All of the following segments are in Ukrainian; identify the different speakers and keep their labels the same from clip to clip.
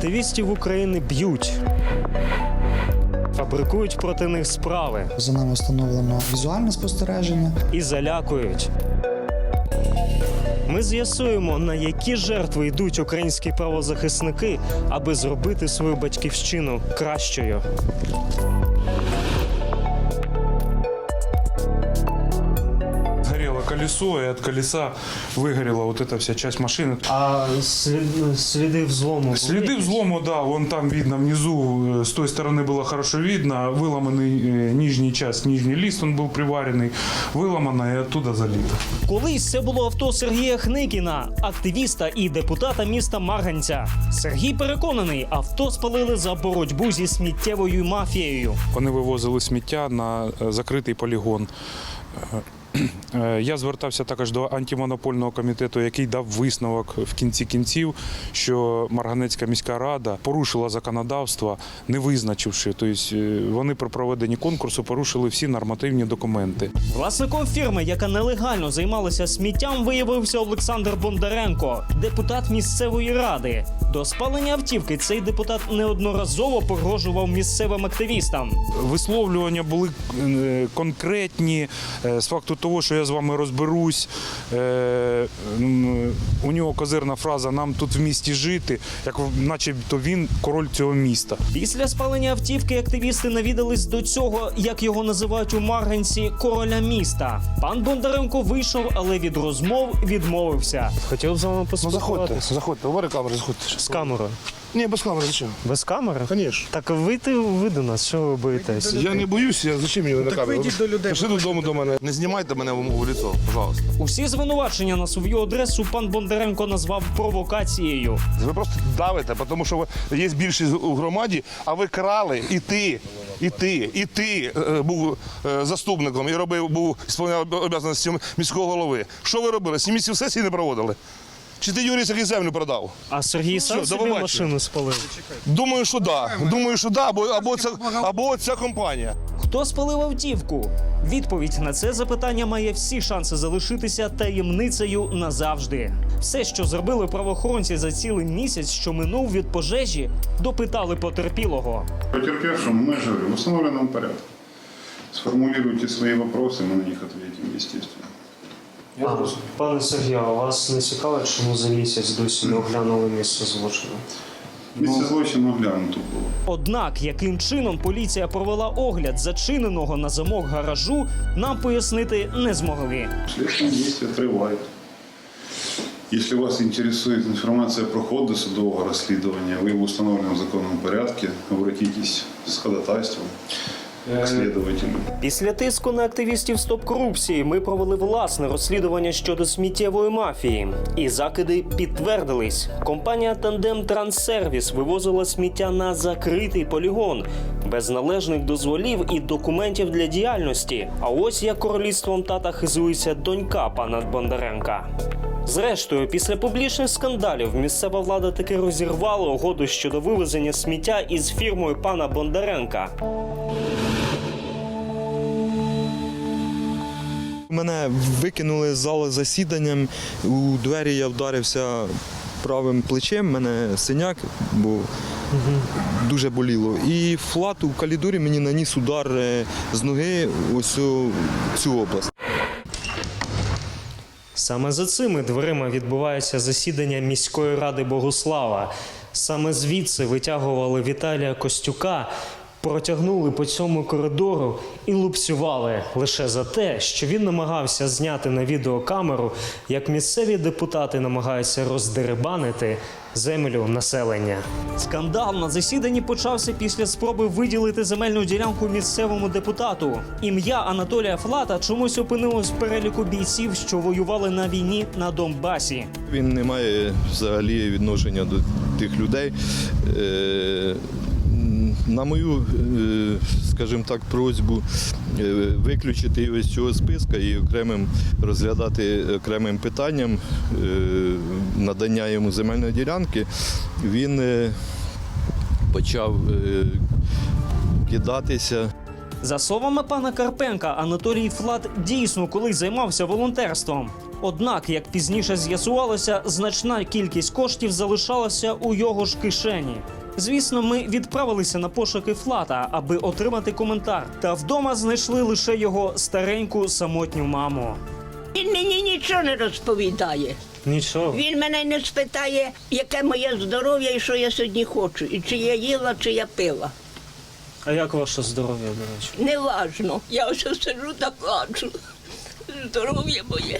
Speaker 1: Активістів України б'ють, фабрикують проти них справи
Speaker 2: За нами встановлено візуальне спостереження.
Speaker 1: і залякують. Ми з'ясуємо, на які жертви йдуть українські правозахисники, аби зробити свою батьківщину кращою.
Speaker 3: Горело колесо, и от колеса выгорела вот эта вся часть машины.
Speaker 1: А сліди взлому?
Speaker 3: Следы взлома, да, вон там видно внизу, с той стороны было хорошо видно, выломанный нижний часть, нижний лист, он был приваренный, выломано и оттуда залито.
Speaker 1: Колись це було авто Сергія Хникіна, активіста і депутата міста Марганця. Сергій переконаний, авто спалили за боротьбу зі сміттєвою мафією.
Speaker 3: Вони вивозили сміття на закритий полігон. Я звертався також до антимонопольного комітету, який дав висновок в кінці кінців, що Марганецька міська рада порушила законодавство, не визначивши. Тобто вони при проведенні конкурсу порушили всі нормативні документи.
Speaker 1: Власником фірми, яка нелегально займалася сміттям, виявився Олександр Бондаренко, депутат місцевої ради. До спалення автівки цей депутат неодноразово погрожував місцевим активістам.
Speaker 3: Висловлювання були конкретні, з факту того, що я з вами розберусь. У нього козирна фраза «нам тут в місті жити», як начебто він король цього міста.
Speaker 1: Після спалення автівки активісти навідались до цього, як його називають у Марганці, короля міста. Пан Бондаренко вийшов, але від розмов відмовився. Хотів з вами поспілкуватися.
Speaker 4: Заходьте, говори камери, заходьте.
Speaker 1: З камерою.
Speaker 4: Ні, без камери, зачем?
Speaker 1: Без камери?
Speaker 4: Конечно.
Speaker 1: Так ви до нас, що ви боїтесь?
Speaker 4: Я не боюсь, зачем мені на камеру?
Speaker 5: вийдіть до людей.
Speaker 4: Пішли додому до мене. Не знімайте мене в лицо, пожалуйста.
Speaker 1: Усі звинувачення на свою адресу пан Бондаренко назвав провокацією.
Speaker 4: Ви просто давите, тому що є більшість у громаді, а ви крали і ти був заступником і був ісполняв обов'язки міського голови. Що ви робили? 7 місяців сесії не проводили? Чи ти Юрій який землю продав?
Speaker 1: А Сергій сам
Speaker 4: Що,
Speaker 1: собі
Speaker 4: побачення?
Speaker 1: машину спалив?
Speaker 4: Думаю, що да. Або ця компанія.
Speaker 1: Хто спалив автівку? Відповідь на це запитання має всі шанси залишитися таємницею назавжди. Все, що зробили правоохоронці за цілий місяць, що минув від пожежі, допитали потерпілого.
Speaker 6: Потерпевшему мы же в установленном порядке. Сформулируйте свои вопросы, мы на них ответим, естественно.
Speaker 1: Пане Сергію, а вас не цікавить, чому за місяць досі не оглянули місце злочину?
Speaker 6: Місце злочину оглянуто було.
Speaker 1: Однак, яким чином поліція провела огляд зачиненого на замок гаражу, нам пояснити не змогли.
Speaker 6: Следственные действия тривають. Если вас интересует информация про ход досудового расследования, вы в установленном законном порядке обратитесь с ходатайством к следователю.
Speaker 1: Після тиску на активістів «Стоп корупції» ми провели власне розслідування щодо сміттєвої мафії. І закиди підтвердились. Компанія «Тандем Транссервіс» вивозила сміття на закритий полігон, без належних дозволів і документів для діяльності. А ось як королівством тата хизується донька пана Бондаренка. Зрештою, після публічних скандалів місцева влада таки розірвала угоду щодо вивезення сміття із фірмою пана Бондаренка.
Speaker 7: Мене викинули з зали засіданням, у двері я вдарився правим плечем, мене синяк, бо дуже боліло. І флат у калідорі мені наніс удар з ноги ось у цю область.
Speaker 1: Саме за цими дверима відбувається засідання міської ради Богуслава. Саме звідси витягували Віталія Костюка, протягнули по цьому коридору і лупцювали лише за те, що він намагався зняти на відеокамеру, як місцеві депутати намагаються роздерибанити землю населення. Скандал на засіданні почався після спроби виділити земельну ділянку місцевому депутату. Ім'я Анатолія Флата чомусь опинилось в переліку бійців, що воювали на війні на Донбасі.
Speaker 7: Він не має взагалі відношення до тих людей. На мою, скажімо так, просьбу виключити його з цього списка і розглядати окремим питанням надання йому земельної ділянки, він почав кидатися.
Speaker 1: За словами пана Карпенка, Анатолій Флат дійсно колись займався волонтерством. Однак, як пізніше з'ясувалося, значна кількість коштів залишалася у його ж кишені. Звісно, ми відправилися на пошуки Флата, аби отримати коментар. Та вдома знайшли лише його стареньку самотню маму.
Speaker 5: Він мені нічого не розповідає.
Speaker 1: Нічого.
Speaker 5: Він мене не спитає, яке моє здоров'я і що я сьогодні хочу, і чи я їла, чи я пила.
Speaker 1: А як ваше здоров'я, до речі?
Speaker 5: Неважно. Я ось сиджу та плачу. Здоров'я моє.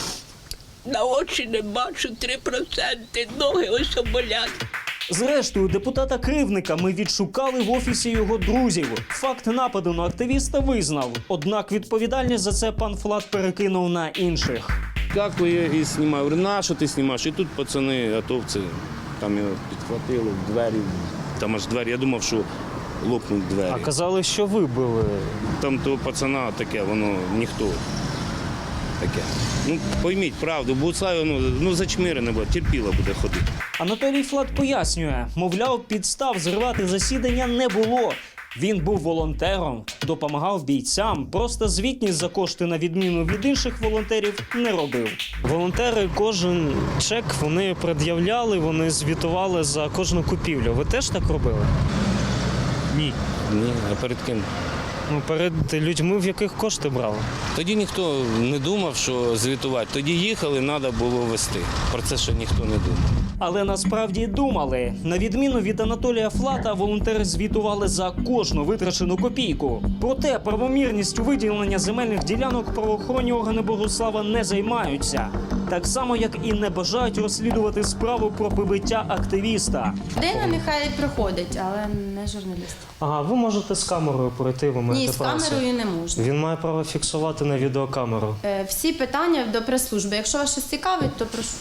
Speaker 5: На очі не бачу 3%, ноги ось болять.
Speaker 1: Зрештою, депутата-кривника ми відшукали в офісі його друзів. Факт нападу на активіста визнав. Однак відповідальність за це пан Флат перекинув на інших.
Speaker 8: Дякую і знімаю. Говорю, на що ти знімаєш? І тут пацани, атовці, там його підхватили, двері, там аж двері. Я думав, що лопнуть двері.
Speaker 1: А казали, що ви били.
Speaker 8: Там того пацана таке, воно ніхто. Таке. Ну, пойміть правду, Буцай, ну зачмирене буде, терпіло буде ходити.
Speaker 1: Анатолій Флат пояснює, мовляв, підстав зривати засідання не було. Він був волонтером, допомагав бійцям, просто звітність за кошти на відміну від інших волонтерів не робив. Волонтери кожен чек вони пред'являли, вони звітували за кожну купівлю. Ви теж так робили? Ні.
Speaker 8: Ні, а перед ким?
Speaker 1: Ну, перед людьми, в яких кошти брали.
Speaker 8: Тоді ніхто не думав, що звітувати. Тоді їхали, треба було вести. Про це ще ніхто не думав.
Speaker 1: Але насправді думали. На відміну від Анатолія Флата, волонтери звітували за кожну витрачену копійку. Проте правомірністю виділення земельних ділянок правоохоронні органи Богуслава не займаються. Так само, як і не бажають розслідувати справу про побиття активіста.
Speaker 9: Людина нехай приходить, але не журналіст.
Speaker 1: Ага, ви можете з камерою пройти, ви маєте
Speaker 9: Ні, з
Speaker 1: право.
Speaker 9: камерою не можна.
Speaker 1: Він має право фіксувати на відеокамеру.
Speaker 9: Всі питання до прес-служби. Якщо вас щось цікавить, то прошу.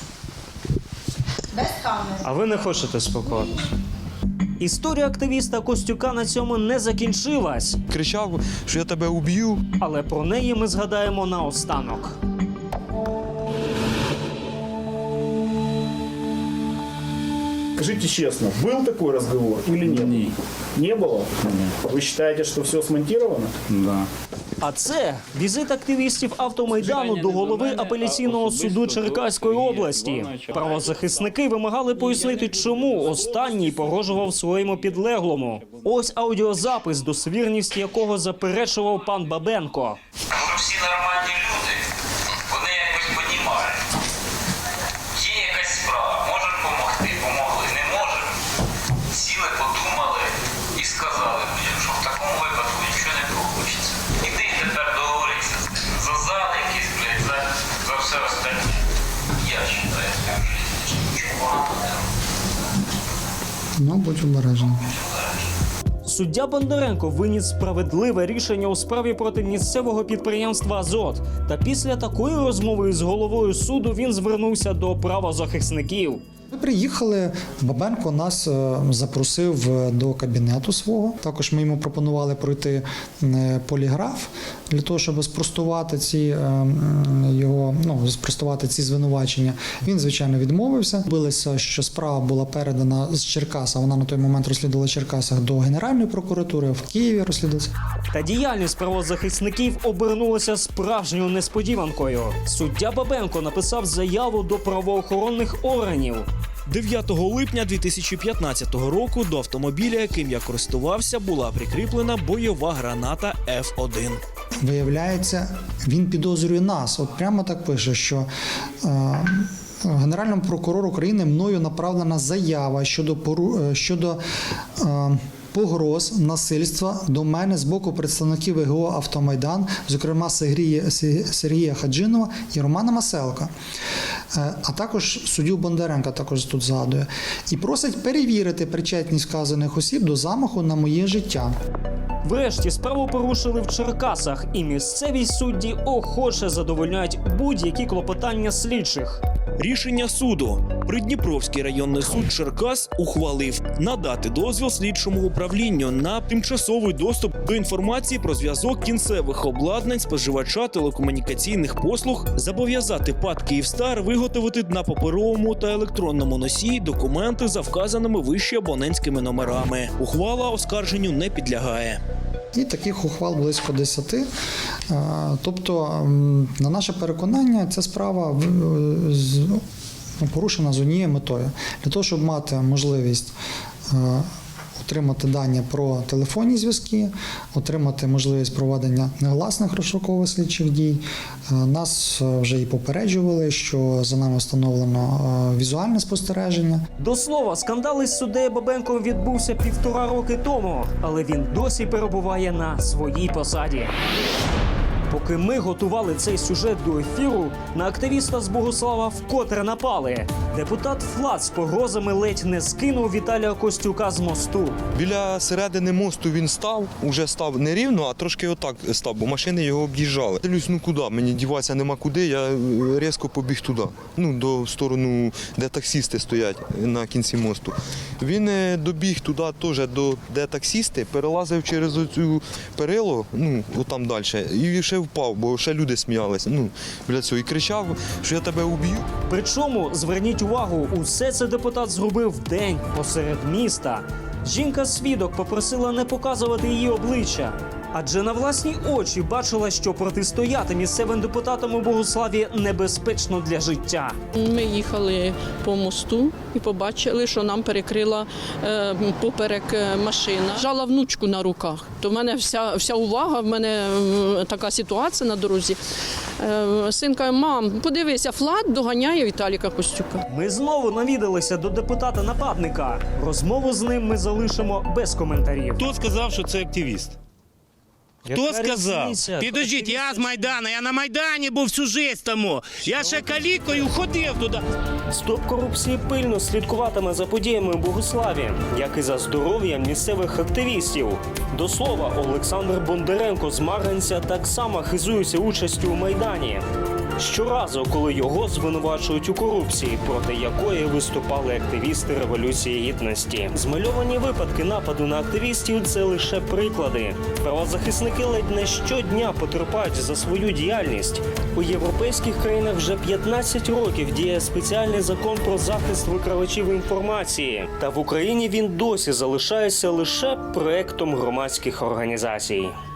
Speaker 9: Без камери.
Speaker 1: А ви не хочете спілкуватися? Історія активіста Костюка на цьому не закінчилась,
Speaker 7: Кричав, що я тебе уб'ю.
Speaker 1: але про неї ми згадаємо наостанок.
Speaker 10: Скажите честно, был такой разговор или нет?
Speaker 11: Ні.
Speaker 10: Не было?
Speaker 11: Ні.
Speaker 10: Вы считаете, что все смонтировано?
Speaker 11: Да.
Speaker 1: А це візит активістів автомайдану до голови апеляційного суду Черкаської області. Правозахисники вимагали пояснити, чому останній погрожував своєму підлеглому. Ось аудіозапис, достовірність якого заперечував пан Бабенко.
Speaker 12: Всі нормальні люди, вони якось понімають. Є якась справа, можемо допомогти, помогли, не можемо. Сіли, подумали і сказали, що в такому випадку нічого не получиться. Іди тепер договоритися з ним. За зал якийсь, блядь, за все остальне. Я вважаю, що нічого поганого не роблю.
Speaker 2: Ну, будь обережний.
Speaker 1: Суддя Бондаренко виніс справедливе рішення у справі проти місцевого підприємства «Азот». Та після такої розмови з головою суду він звернувся до правозахисників.
Speaker 2: Ми приїхали, Бабенко нас запросив до кабінету свого. Також ми йому пропонували пройти поліграф для того, щоб спростувати спростувати ці звинувачення. Він, звичайно, відмовився. Билися, що справа була передана з Черкаса. Вона на той момент розслідувала в Черкасах до Генеральної прокуратури, в Києві розслідувалася.
Speaker 1: Та діяльність правозахисників обернулася справжньою несподіванкою. Суддя Бабенко написав заяву до правоохоронних органів.
Speaker 13: 9 липня 2015 року до автомобіля, яким я користувався, була прикріплена бойова граната F1.
Speaker 2: Виявляється, він підозрює нас. От прямо так пише, що Генеральному прокурору України мною направлена заява щодо погроз насильства до мене з боку представників ВГО «Автомайдан», зокрема Сергія Хаджинова і Романа Маселка, а також суддю Бондаренка також тут згадує, і просить перевірити причетність вказаних осіб до замаху на моє життя.
Speaker 1: Врешті справу порушили в Черкасах, і місцеві судді охоче задовольняють будь-які клопотання слідчих.
Speaker 13: Рішення суду. Придніпровський районний суд Черкас ухвалив надати дозвіл слідчому управлінню на тимчасовий доступ до інформації про зв'язок кінцевих обладнань споживача телекомунікаційних послуг, зобов'язати ПАТ «Київстар» виготовити на паперовому та електронному носії документи за вказаними вище абонентськими номерами. Ухвала оскарженню не підлягає.
Speaker 2: І таких ухвал близько 10. Тобто, на наше переконання, ця справа порушена з однією метою. Для того, щоб мати можливість отримати дані про телефонні зв'язки, отримати можливість проведення негласних розшукових слідчих дій. Нас вже і попереджували, що за нами встановлено візуальне спостереження.
Speaker 1: До слова, скандал із суддею Бабенком відбувся 1,5 роки тому, але він досі перебуває на своїй посаді. Поки ми готували цей сюжет до ефіру, на активіста з Богуслава вкотре напали. Депутат Флат з погрозами ледь не скинув Віталія Костюка з мосту.
Speaker 7: Біля середини мосту він уже став не рівно, а трошки отак став, бо машини його об'їжджали. Дивлюсь, ну куди, мені діватися нема куди, я різко побіг туди, до сторону, де таксісти стоять на кінці мосту. Він добіг туди теж, де таксісти, перелазив через оцю перило, отам далі, і ще впав, бо ще люди сміялися, біля цього, і кричав, що я тебе уб'ю.
Speaker 1: Причому, зверніть увагу, усе це депутат зробив вдень посеред міста. Жінка-свідок попросила не показувати її обличчя, адже на власні очі бачила, що протистояти місцевим депутатам у Богуславі небезпечно для життя.
Speaker 5: Ми їхали по мосту і побачили, що нам перекрила поперек машина. Жала внучку на руках. То в мене вся увага, в мене така ситуація на дорозі. Син каже: мам, подивися, Флат доганяє Віталіка Костюка.
Speaker 1: Ми знову навідалися до депутата-нападника. Розмову з ним ми залишимо без коментарів.
Speaker 8: Хто сказав, що це активіст? Хто сказав? Підождіть, я з Майдану, я на Майдані був всю життя тому. Я ще калікою ходив туди.
Speaker 1: Стоп корупції пильно слідкуватиме за подіями у Богуславі, як і за здоров'ям місцевих активістів. До слова, Олександр Бондаренко з Марганця так само хизується участю у Майдані. Щоразу, коли його звинувачують у корупції, проти якої виступали активісти Революції Гідності. Змальовані випадки нападу на активістів – це лише приклади. Правозахисники ледь не щодня потерпають за свою діяльність. У європейських країнах вже 15 років діє спеціальний закон про захист викривачів інформації. Та в Україні він досі залишається лише проектом громадських організацій.